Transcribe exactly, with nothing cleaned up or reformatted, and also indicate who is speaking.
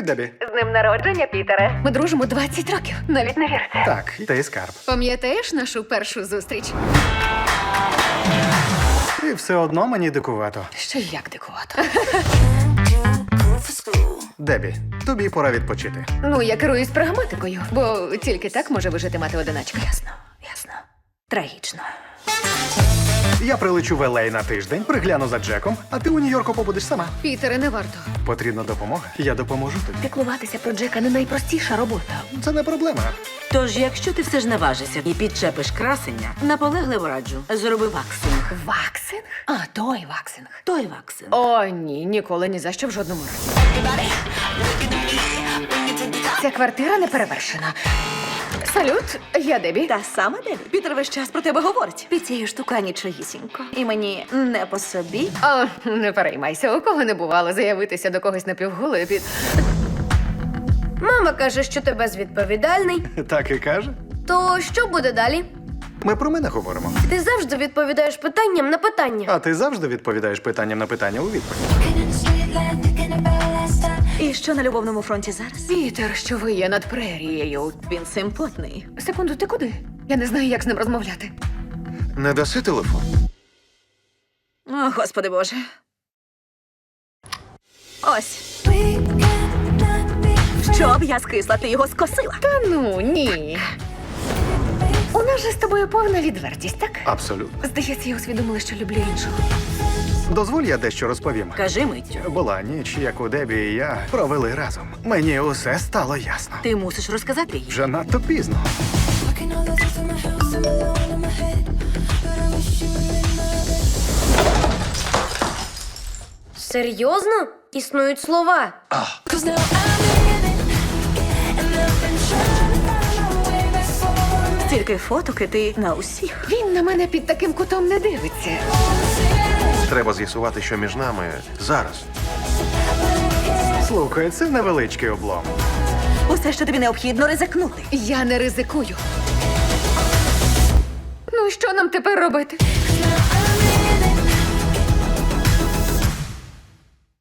Speaker 1: Дебі.
Speaker 2: З днем народження, Пітере. Ми дружимо двадцять років. Навіть не вірите.
Speaker 1: Так, ти скарб.
Speaker 2: Пам'ятаєш нашу першу зустріч?
Speaker 1: І все одно мені дикувато.
Speaker 2: Що як дикувато.
Speaker 1: Дебі, тобі пора відпочити.
Speaker 2: Ну, я керуюсь прагматикою, бо тільки так може вижити мати одиначка. Ясно, ясно. Трагічно.
Speaker 1: Я прилечу в Ел Ей на тиждень, пригляну за Джеком, а ти у Нью-Йорку побудеш сама.
Speaker 2: Пітере, не варто.
Speaker 1: Потрібна допомога? Я допоможу тобі.
Speaker 2: Піклуватися про Джека не найпростіша робота.
Speaker 1: Це не проблема.
Speaker 3: Тож, якщо ти все ж наважишся і підчепиш красення, наполегливо раджу, зроби ваксинг.
Speaker 2: Ваксинг? А, той ваксинг.
Speaker 3: Той ваксинг.
Speaker 2: О, ні, ніколи, ні за що в жодному разі. Ця квартира не перевершена. Салют, я Дебі.
Speaker 4: Та сама Дебі. Пітер весь час про тебе говорить. Під цією штука нічогісінько. І мені не по собі.
Speaker 2: О, не переймайся, у кого не бувало заявитися до когось напівголою під...
Speaker 5: Мама каже, що ти безвідповідальний.
Speaker 1: Так і каже.
Speaker 5: То що буде далі?
Speaker 1: Ми про мене говоримо.
Speaker 5: Ти завжди відповідаєш питанням на питання.
Speaker 1: А ти завжди відповідаєш питанням на питання у відповідь.
Speaker 4: І що на любовному фронті зараз?
Speaker 2: Пітер, що ви є над прерією.
Speaker 4: Він симпотний.
Speaker 2: Секунду, ти куди? Я не знаю, як з ним розмовляти.
Speaker 1: Не даси телефон?
Speaker 4: О, господи боже. Ось. Щоб я скисла, ти його скосила.
Speaker 2: Та ну, ні. У нас же з тобою повна відвертість, так?
Speaker 1: Абсолютно.
Speaker 2: Здається, я усвідомила, що люблю іншого.
Speaker 1: Дозволь, я дещо розповім.
Speaker 3: Кажи миттю.
Speaker 1: Була ніч, яку Дебі і я провели разом. Мені усе стало ясно.
Speaker 3: Ти мусиш розказати їй.
Speaker 1: Вже надто пізно.
Speaker 5: Серйозно? Існують слова.
Speaker 4: Тільки фотоки ти на усіх.
Speaker 2: Він на мене під таким кутом не дивиться.
Speaker 6: Треба з'ясувати, що між нами зараз.
Speaker 1: Слухай, це невеличкий облом.
Speaker 4: Усе, що тобі необхідно, ризикнути.
Speaker 2: Я не ризикую. Ну, що нам тепер робити?